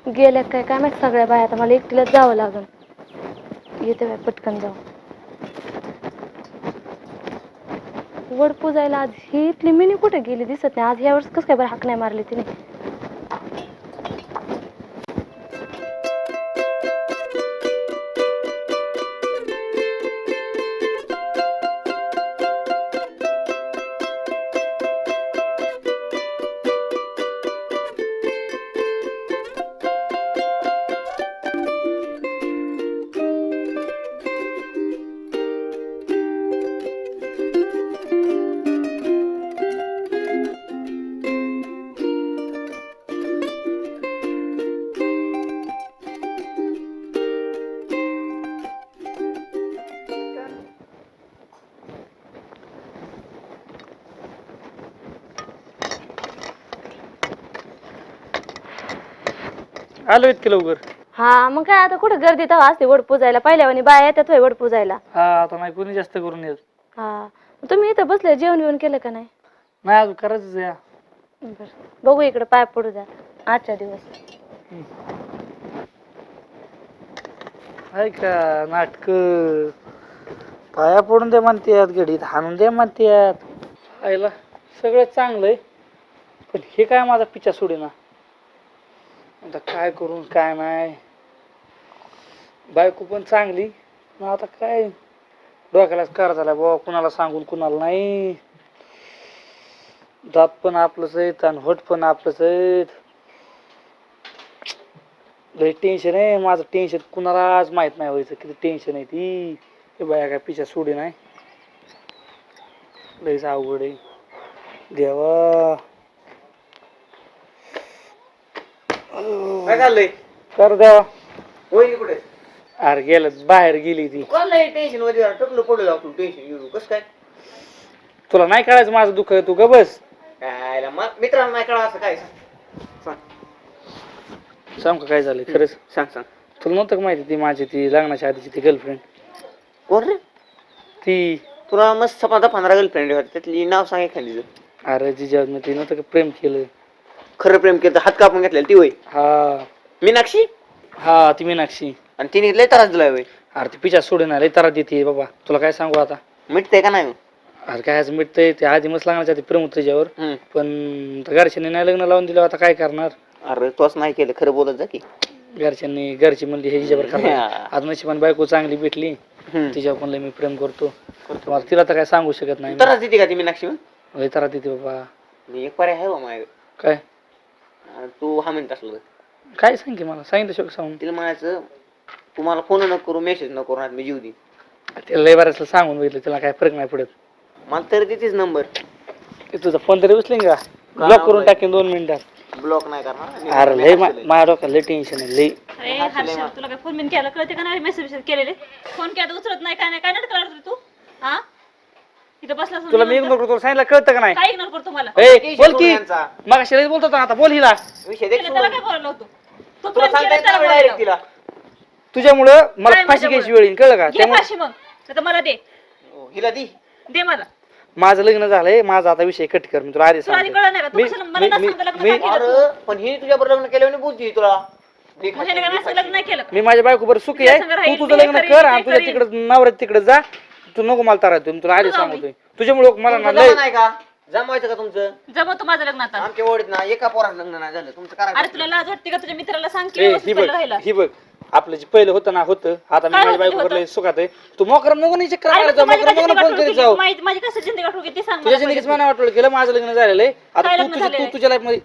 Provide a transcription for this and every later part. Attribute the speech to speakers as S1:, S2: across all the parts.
S1: गेल्या काय काय माहित सगळ्या बाया, आता मला एकटीलाच जावं लागल. येते बाय पटकन जाऊ. वड पूजायला आज ही इथली मिनी कुठे गेली दिसत नाही. आज यावेळेस कसं काय बरं हाक नाही मारली तिने.
S2: आलो इतके लवकर.
S1: हा मग काय आता कुठं गर्दी तेव्हा असते वड पूजायला. पहिल्यावानी बाया येतात होय वड पूजायला.
S2: हा आता नाही कोणी जास्त करून येत.
S1: हा तुम्ही इथं बसले, जेवण बिवण केलं का नाही?
S2: नाही अजून करायचंच या.
S1: बर बघू इकडे पाय पडू द्या आजच्या दिवस.
S2: आहे का नाटक, पाया पडून दे म्हणतात, घडीत हाणून दे म्हणतात. आईला सगळं चांगलंय, पण हे काय माझा पिच्छा सोडेना. आता काय करून काय नाही. बायको पण चांगली, मग आता काय डोक्यालाच कार झाला बाबा, कुणाला सांगून कुणाला नाही. दात पण आपलंच आहेत आणि होट पण आपलंच आहेत. लय टेन्शन आहे माझं. टेन्शन कुणालाच माहित नाही व्हायचं किती टेन्शन आहे ती. हे बाया काय पिच्छा सोडे नाही. लयच अवघड आहे देवा.
S3: काय चाललंय?
S2: कर देवा.
S3: वहिनी कुठे?
S2: अरे गेलं बाहेर गेली ती.
S3: कोणला टेन्शन मध्ये टकलं पडू लागतो. टेन्शन घेऊ कसं काय?
S2: तुला नाही कळायचं माझं दुःख, तू ग बस.
S3: काय मित्रांना नाही कळा असं काय?
S2: सांग का काय झालं खरंच?
S3: सांग सांग.
S2: तुला नव्हतं का माहिती ती माझी ती लग्नाच्या आधीची ती गर्लफ्रेंड?
S3: कोण रे?
S2: ती
S3: तुला मस्त 15 गर्लफ्रेंड होती, त्यातली नाव सांग एखादी.
S2: अरे जिजा मी ती नव्हतं का प्रेम केलं.
S3: खरं प्रेम केलं, हात कापून घेतलेला ती होय?
S2: हा
S3: मीनाक्षी?
S2: हा ती मीनाक्षी.
S3: आणि तिने लय त्रास दिलाय होय?
S2: अरे ती पिच्छा सोडून लय त्रास देते बाबा. तुला काय सांगू आता.
S3: मिटतंय का नाही?
S2: अरे काय आज मिटतंय, ते आधी मस्त लग्नाच्या आधी प्रेम होतं त्याच्यावर, पण घरच्यांनी नाही लग्न लावून दिलं. आता काय करणार.
S3: अरे तोच नाही केलं, खरं बोलत जा की.
S2: घरची म्हणली हे हिच्यावर करणार. आज नशिबाने बायको चांगली भेटली, तिच्यावर पण लय मी प्रेम करतो. तिला तर काय सांगू शकत नाही.
S3: त्रास देते का ती मीनाक्षी?
S2: लय त्रास देते बाबा.
S3: एक पर्याय आहे बा माझ्या.
S2: काय?
S3: तू हा म्हणत असलं
S2: काय सांग की मला. सांगितलं शोक सांगून.
S3: तिला म्हणायचं तुम्हाला फोन न करू, मेसेज न करू, मी जीव दे.
S2: तिला लय बऱ्याच सांगून बघितलं, तिला काय फरक नाही पडत.
S3: मला तर देतेच नंबर.
S2: तुझा फोन तरी उचलेन का? ब्लॉक करून टाकेन 2 मिनिटात.
S3: ब्लॉक नाही करणार.
S2: अरे लय माझ्या डोक्यात लय टेन्शन आहे लय.
S4: अरे हर्षल, तुला काय फोन बिन केला कळते का नाही? मेसेज केलेले फोन केला उचलत नाही, काय नाही, काय नाटक करत तू? हा इथं बसला
S2: तुला मी इग्नोर करतो, सांगितलं कळतं का नाही?
S4: काय इग्नोर करतो मला?
S2: ए बोल की. मग शिवाय बोलतो ना, आता बोल हिला.
S3: विषय
S4: त्याला काय बोललो होतो? तू
S3: तुला
S4: प्रेम केलं
S3: सांगता
S4: त्याला
S3: डायरेक्ट
S4: बोललो.
S3: तिला.
S2: तुझ्यामुळं मला
S4: काय
S2: फाशी
S4: माझ्यामुळं?
S2: घ्यायची वेळ येईल, कळलं का?
S4: घे
S2: त्यामुळे
S4: फाशी मग, आता मला दे,
S3: हिला दी.
S4: दे मला.
S2: माझं लग्न झालंय, माझा आता विषय कट कर. मी तुला आधी
S4: तुला आधी
S2: सांगतो.
S4: कळलं नाही का? तू कशाला मला न सांगता लग्न का केलं तू?
S3: अरे पण ही तुझ्या बरोबर लग्न केल्याने बोलती तुला.
S4: मग ह्याने काय माझं लग्न नाही केलं का?
S2: मी माझ्या बायको बरोबर सुखी आहे.
S4: तुझ्या संग राहील,
S2: तू तुझं
S4: मी
S2: लग्न
S4: करीन,
S2: कर
S4: ते
S2: आणि तुझ्या
S4: करीन.
S2: तिकडे नवऱ्या तिकडे जा. तू नको मला तारा देऊ. मी तुला आधी
S4: जाऊ मी.
S2: सांगतोय. तुझ्यामुळे मला ना
S3: तुमचं
S2: लय
S3: जमा नाही का? जमवायचं का तुमचं?
S4: जमवतो माझं लग्न आता.
S3: आमच्या ओढीत ना एका पोराचं लग्न नाही झालं. तुमचं
S4: अरे
S3: करायचं.
S4: तुला लाज वाटते का? तुझ्या मित्राला सांग की
S2: ही
S4: व्यवस्थित
S2: बघ,
S4: राहिला.
S2: ही बघ. आपलं जे पहिलं होतं ना होतं, आता मी
S4: काय
S2: माझ्या
S4: होतं
S2: बायको
S4: होतं?
S2: लय सुखात आहे. तू मोकरम नको नाही चक्कर
S4: अरे
S2: मारायला
S4: मग
S2: जाऊ.
S4: तू माझी
S2: मोकरम नको
S4: कशी
S2: ना फोन
S4: जिंदगी
S2: करीत जाऊ.
S4: वाटोळी माझी कसं जिंदगी वाटोळी ते सांग
S2: तुझ्या
S4: मला
S2: जिंदगीच
S4: पहिले.
S2: मना वाटलं केलं, माझं लग्न झालेलं आहे. आता
S4: काय
S2: तू
S4: लग्न
S2: तुझं
S4: झालेलं
S2: तू
S4: आहे?
S2: तुझ्या लाईफ मध्ये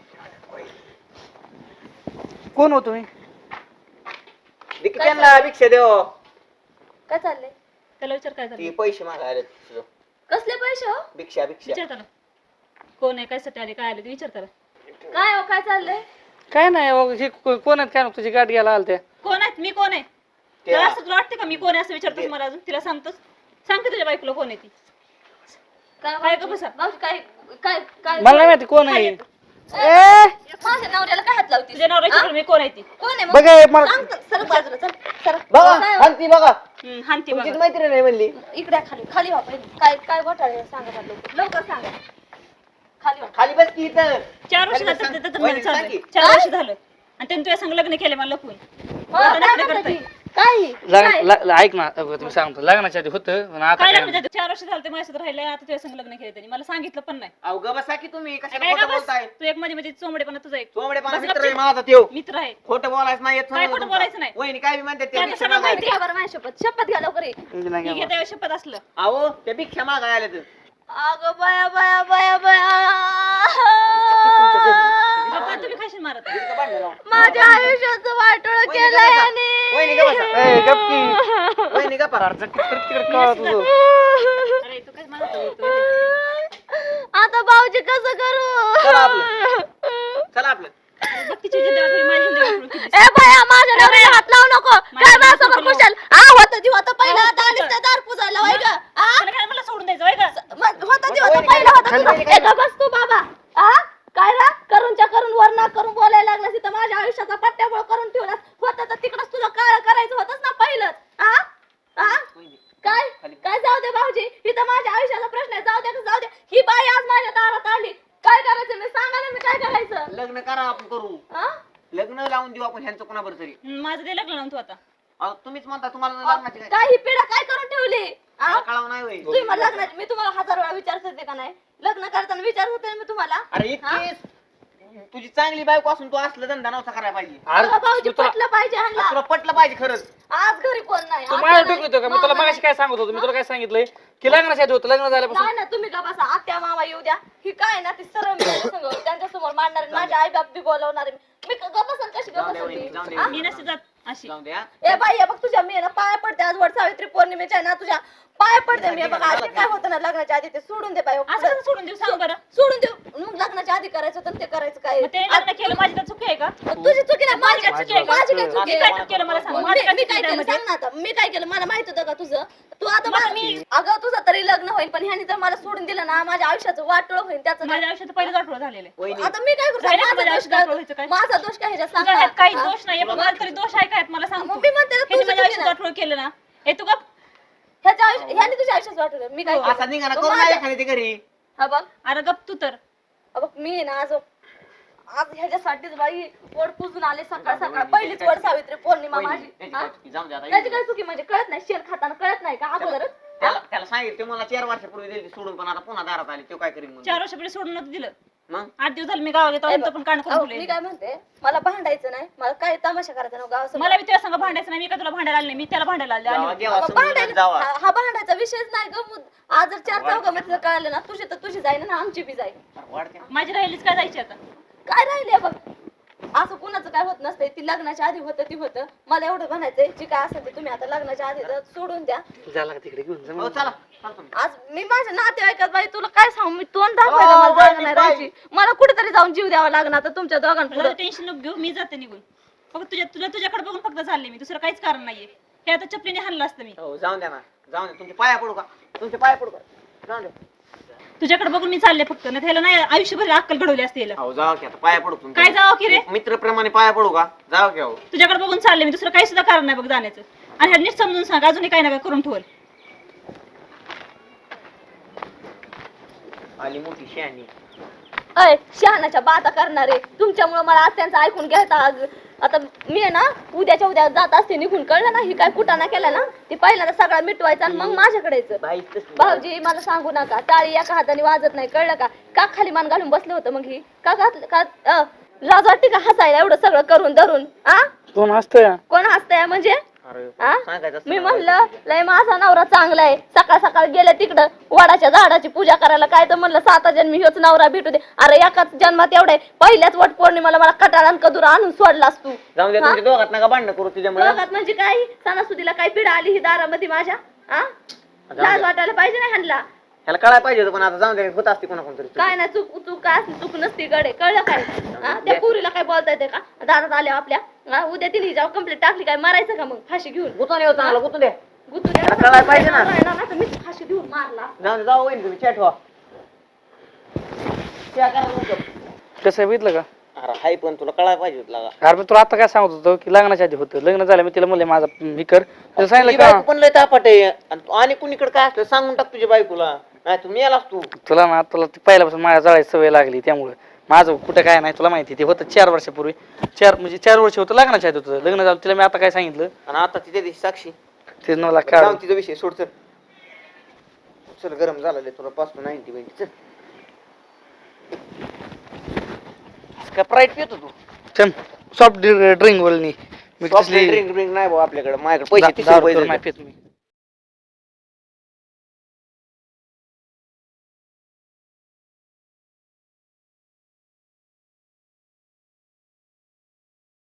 S2: कोण होतो मी?
S3: दिकी त्यांना भिक्षा देव.
S1: काय चाललंय?
S4: त्याला विचार काय
S3: ती
S4: झालं?
S3: पैसे मागायला तुझं.
S1: कसले पैसे हो?
S3: भिक्षा भिक्षा.
S4: विचार त्याला कोण आहे, कशासाठी आले, काय आले ते विचार त्याला.
S1: काय हो काय चाललंय?
S2: काय नाही बाबा, हे कोण आहेत काय नको, तुझी गाठ घ्यायला आलत्या.
S4: कोण आहेत? मी कोण आहे? तुला असं तुला वाटते का मी कोण आहे असं विचारतोस मला अजून? तिला सांगतोस? सांग की तुझ्या बायकोला कोण आहे ती. काय गं बसा?
S1: मावशी काय काय काय
S2: मला नाही माहिती कोण आहे.
S1: माझ्या नवऱ्याला काय हात लावते?
S4: तुझ्या नवऱ्याची मी कोण आहे ती?
S1: कोण आहे मग?
S2: बघ हे मला
S1: सांग तर, सरक बाजूला चल. सरक.
S3: बघा
S1: काय हो?
S3: हानती बघा.
S4: हानती
S3: तुमचीच
S4: बघा.
S3: मैत्रीण नाही म्हणली.
S1: इकडे खाली खाली व्हा पहिले. काय काय घोटाळे आहे सांगा मला लवकर. लवकर सांगा. खाली व्हा.
S3: खाली बस की इथं.
S4: 4 वर्ष
S3: खाली बस,
S4: झालं
S3: सांग.
S4: त्याचं
S3: वहिनी,
S4: चालू
S3: सांग
S4: आहे.
S3: की.
S4: 4 वर्ष झालं आणि त्यांनी तुझ्या संग लग्न केले मला लपून
S1: काय
S4: नाटकं
S1: म्हणता
S4: करताय.
S1: ती? काय
S2: ऐक ना तुम्ही सांगतो लग्नाच्या आधी होतं पण आता
S4: काय
S2: काय
S4: लग्न 4 वर्ष झालं ते माझ्यासोबत राहिले आता तुझ्या संग लग्न केलं त्यांनी मला सांगितलं पण नाही
S3: अहो ग बसा की तुम्ही कशाला
S4: काय
S3: खोटं
S4: का बस
S3: बोलताय
S4: तू एक मध्ये चोमडेपणा तुझा एक
S3: चोमडेपणा
S4: बस
S3: मित्र
S4: गपचीप.
S3: आहे माझा त्यो
S4: मित्र आहे
S3: खोटं बोलायचं नाही येत
S4: काय खोटं बोलायचं नाही?
S3: वहिनी काय बी म्हणते
S4: त्यांना
S3: भिक्षा
S4: सगळं
S3: मागायला.
S4: माहिती आहे.
S1: बरं माझी शपथ घ्या लवकर ये.
S4: मी घेता वेळेस शपथ असलं
S3: अहो त्या भिक्षा मागायला आल्या तर
S1: अगं बाया बाया बाया बाया
S4: गप्पा तुम्ही खाशील मारत
S1: माझ्या आयुष्याचं वाटोळ केलंय आणि
S3: वहिनी का बसा
S2: गप्पी
S3: वहिनी का पा
S2: तिकडे कळा तुझं
S4: अरे तू काय मारत
S1: आता भाऊजी कसं करू
S3: चला आपलं चला आपलं
S4: बघ तिची जिंदगी वाटली, माझी जिंदगी वाटली किती.
S1: ए बाया माझ्या नवऱ्याला हात लावू नको काय
S4: माझ्या
S1: माझ्यासमोर
S4: नवऱ्याला
S1: खुशाल होतं ती होतं पहिलं आता आलीस त्या दार पुजायला होय ग
S4: तुला काय मला सोडून द्यायचं होय का
S1: होतं ती होतं पहिलं होतं तुझं ए गं बस तू बाबा काय रा करूनच्या करून वरना करून बोलायला लागलास इथं माझ्या आयुष्याचा पट्ट्याबोळ करून ठेवलास होतं तर तिकडच तुझं काळ करायचं होतंच ना पहिलंच काय काय जाऊ दे भाऊजी इथं माझ्या आयुष्याचा प्रश्न आहे जाऊ दे ही बाई आज माझ्या दारात आली काय करायचं मी सांगा ना मी काय करायचं
S3: लग्न करा आपण करू लग्न लावून देऊ आपण ह्यांचं कोणाबरोबर तरी
S4: माझं ते लग्न लावून तू आता
S3: अहो, तुम्हीच म्हणता तुम्हाला लग्नाची काय
S1: काय ही पिढा काय करून ठेवली
S3: मला कळावं नाही होय
S1: तुम्ही मला लग्नाची मी तुम्हाला 1000 वेळा विचारत होते का नाही लग्न करताना विचारत होते ना मी तुम्हाला
S3: अरे इतकी तुझी चांगली बायको असून तू असलं धंदा नव्हता करायला पाहिजे
S1: तुला भाऊजी पटलं पाहिजे
S3: आज
S1: ह्यांना
S3: तुला पटलं पाहिजे खरंच
S1: आज घरी कोण नाही
S2: तू
S1: आता
S2: माझ्या
S1: नाही.
S2: डोकं का मी तुला
S1: मामा
S2: मगाशी काय सांगत होतो मी तुला काय सांगितलंय की लग्नाच्या आधी होतं लग्न झाल्यापासून
S1: नाही ना तुम्ही का बसा आत्या मामा येऊ द्या ही काय ना ती सरळ मी त्यांच्या समोर मांडणार माझे आई बाप बी बोलवणार मी गपसन कशी
S3: जाऊ दे वहिनी, जाऊ दे.
S1: गपसन
S4: मी नसते जात अशी
S3: जाऊ द्या
S1: ए बाई हे बघ तुझ्या मी ना पाय पडते आज वट सावित्री पौर्णिमेच्या आहे ना तुझ्या पाय पडते मी बघ आधी काय होतं ना लग्नाच्या आधी ते सोडून दे बाई हो,
S4: असं
S1: पुढं.
S4: कसं सोडून देऊ सांग बरं
S1: सोडून देऊ मग लग्नाच्या आधी करायचं होतं ते करायचं काय
S4: मग ते लग्न केलं माझी तर चुकी आहे का
S1: तुझी चुकी नाही माझी काय चुकी आहे माझी काय
S4: मी
S1: चुकी
S4: काय
S1: आहे
S4: तर केलं मला सांग
S1: मी
S4: माझी काय
S1: मी
S4: चुकी
S1: काय
S4: आहे
S1: केलं
S4: त्यामध्ये?
S1: सांग ना आता मी काय केलं मला माहित होतं का तुझं तू आता
S4: मग
S1: मला
S4: मी-
S1: अगं तुझं तरी लग्न होईल पण ह्यानी जर मला सोडून दिलं ना माझ्या आयुष्याचं वाटोळ होईल त्याचं
S4: माझ्या आयुष्यात पहिलं आठवडा झालेलं आहे
S3: वहिनी
S1: आता मी काय करू
S4: झालं का
S1: माझा
S4: माझ्या
S1: दोष
S4: आयुष्यात व्हायचं
S1: काय
S4: काय?
S1: माझा दोष काय ह्याच्यात सांग
S4: तुझ्या ह्यात
S1: ना.
S4: काही
S1: हा?
S4: दोष नाही पण मला तरी दोष आहे काय मला सांग
S1: मग मी म्हणते ना,
S4: ह्याने
S1: तुझं
S4: माझ्या
S1: चुकी
S4: आयुष्यात
S1: नाही.
S4: आठवडा केलं ना हे तू का
S1: ह्याच्या आयुष्य ह्यानी तुझ्या आयुष्यात वाटोळ मी काय
S3: असा
S1: केलं?
S3: निघा ना
S1: मग
S3: करू
S1: माझं-
S3: नाही एखादी ते घरी
S1: हा बघ
S4: अरे गप तू तर
S1: हा बघ मी आहे ना आज ह्याच्यासाठीच बाई वड पुजून आले सकाळ सकाळ पहिलीच वड सावित्री पौर्णिमा माझी
S3: त्याची
S1: हा?
S3: काय चुकी? जाऊ दे आता.
S1: त्याची काय चुकी म्हणजे कळत नाही शेण खाताना कळत नाही का अगोदरच
S3: त्याला सांगितलं ते मला 4 वर्षापूर्वी दिली सोडून पण आता पुन्हा दारात आली तो काय करीन म्हणून
S4: 4 वर्षापूर्वी सोडून नव्हतं दिलं
S3: मग
S4: 8 दिवस झाले मी गावाला येतो
S1: ए,
S4: पण कान
S1: अहो,
S4: करून
S1: मी
S4: ठेवले
S1: काय म्हणते मला भांडायचं नाही मला काय तमाशा करायचा नाही गावासमोर
S4: मला बी तुझ्या संग भांडायचं नाही मी का तुला भांडायला आले नाही मी त्याला भांडायला आले
S3: जावा
S4: आणि
S3: गेवा
S1: अगं,
S3: समजून
S1: भांडायला
S3: जावा
S1: हा भांडायचा विषयच नाही ग आज जर 4 चौघामध्ये कळालं ना तुझी तर तुझी जाईल ना आमची बी जाईल
S3: वाढते ना.
S4: माझी राहिलीच काय जायची आता
S1: काय राहिले बघ असं कुणाचं काय होत नसतंय ती लग्नाच्या आधी होतं ती होतं मला एवढं म्हणायचंय जी काय असेल ते तुम्ही आता लग्नाच्या आधी तर सोडून द्या
S2: झाला तिकडे घेऊन जा
S3: हो चला चालतो मी.
S1: आज मी माझ्या नातेवाईकात बाई तुला काय सांगू मी तोंड दाखवायला मला
S3: बाई,
S1: जागा नाही
S3: बाई.
S1: राहायची मला कुठेतरी जाऊन जीव द्यावा लागणार आता तुमच्या दोघांपुढे
S4: टेन्शन नको घेऊ मी जाते निघून फक्त तुझ्याकडे बघून फक्त चालले मी दुसरं काहीच कारण नाहीये हे आता चपलीने हाणलं असतं मी
S3: हो जाऊन द्या ना जाऊन द्या तुमचे पाया पडू का तुमचे पाया पडू का जाऊन द्या
S4: तुझ्याकडे बघून मी चालले फक्त नाही त्याला नाही आयुष्यभर अक्कल घडवली असते याला.
S3: हो जाऊ की आता पाया पडू तुमच्या.
S4: काय जावं की रे
S3: मित्रप्रमाणे पाया पडू का जाऊ की हो
S4: तुझ्याकडे बघून चालले मी दुसरं काही सुद्धा कारण नाही बघ जाण्याचं आणि ह्याला नीट समजून सांग अजूनही काही नका करून ठेवल
S3: आली मोठी शहाणी
S1: अय शहाणाच्या बाता करणारे तुमच्यामुळे मला आज त्यांचं ऐकून घ्यायचा आता मी आहे ना उद्याच्या उद्या जात असते निघून कळलं ना ही काय कुटाणा केला ना ती पहिल्यांदा सगळा मिटवायचा आणि मग माझ्याकडे यायचं
S3: बाई तसली.
S1: भाऊजी मला सांगू नका टाळी एका हाताने वाजत नाही कळलं का खाली मान घालून बसलं होतं मग ही का घातलं का लाज वाटते का हसायला एवढं सगळं करून धरून आ
S2: कोण हसतोय
S1: कोण हसतंय म्हणजे
S3: अरे
S1: आ?
S3: सांगायचं असतं
S1: मी
S3: ना
S1: म्हणलं
S3: बाई.
S1: लय माझा नवरा चांगला आहे सकाळ सकाळ गेले तिकडं वडाच्या झाडाची पूजा करायला काय तर म्हणलं 7 जन्मी ह्योच नवरा भेटू दे अरे एकाच जन्मात एवढे पहिल्याच वट पौर्णिमेला मला कटाळा आणि कदुरा आणून सोडलास तू
S3: जाऊन द्या
S1: हा?
S3: तुमच्या दोघात नका भांडणं करू तुझ्यामुळे
S1: दोघात म्हणजे काय सणासुदीला काय पिढा आली ही दारामध्ये माझ्या आ लाज वाटायला पाहिजे ना ह्यांना
S3: ह्याला कळायला पाहिजे होतं पण आता जाऊन द्या होत असते कोणा कोणतरी
S1: काय नाही चूक काय असली चूक नसती गडे कळलं काय हा? त्या पुरीला काय बोलता येते का दारात आल्या आपल्या हा? उद्या तिने जाऊ कंप्लेंट टाकली काय मारायचं का मग फाशी घेऊन
S3: गुतून येऊ चांगलं गुतून द्या
S1: गुतू
S3: त्याला कळायला पाहिजे ना.
S1: मी फाशी घेऊन मारला
S3: जाऊन द्या, जाऊ वहिनी तुम्ही चॅट व्हा चहा करा लवकर.
S2: कसं आहे बघितलं का
S3: अरे हाय पण तुला कळायला पाहिजे होतं लागा.
S2: अरे मी तुला आता काय सांगत होतो की लग्नाच्या आधी होतं लग्न झालं मी तिला म्हणले माझा मी कर तिला सांगितलं
S3: तुझी
S2: का
S3: बायको पण लय तापट आहे आणि कुणीकडे काय असलं सांगून टाक तुझ्या बायकोला नाही तू मेलास तू
S2: तुला ना तुला ती पहिल्यापासून माझ्या जळायची सवय लागली त्यामुळे माझं कुठं काय नाही तुला माहिती ते होतं 4 वर्षापूर्वी 4 वर्ष होतं लग्नाच्या आधी होतं लग्न झालं तिला मी आता काय सांगितलं
S3: आणि आता तिथे दिवशी साक्षी
S2: ते मला
S3: जाऊन
S2: काढ
S3: तिचा विषय सोड चल चल गरम झालेलं तुला पाचतो 90 चल का प्राईट पितो तू
S2: चल सॉफ्ट ड्रिंक बोलणी मी
S3: सॉफ्ट
S2: कसली
S3: ड्रिंक नाही भाऊ आपल्याकडे माझ्याकडे पैसे 30
S2: दारू
S3: रुपये
S2: नाही
S3: देतो.
S2: पित मी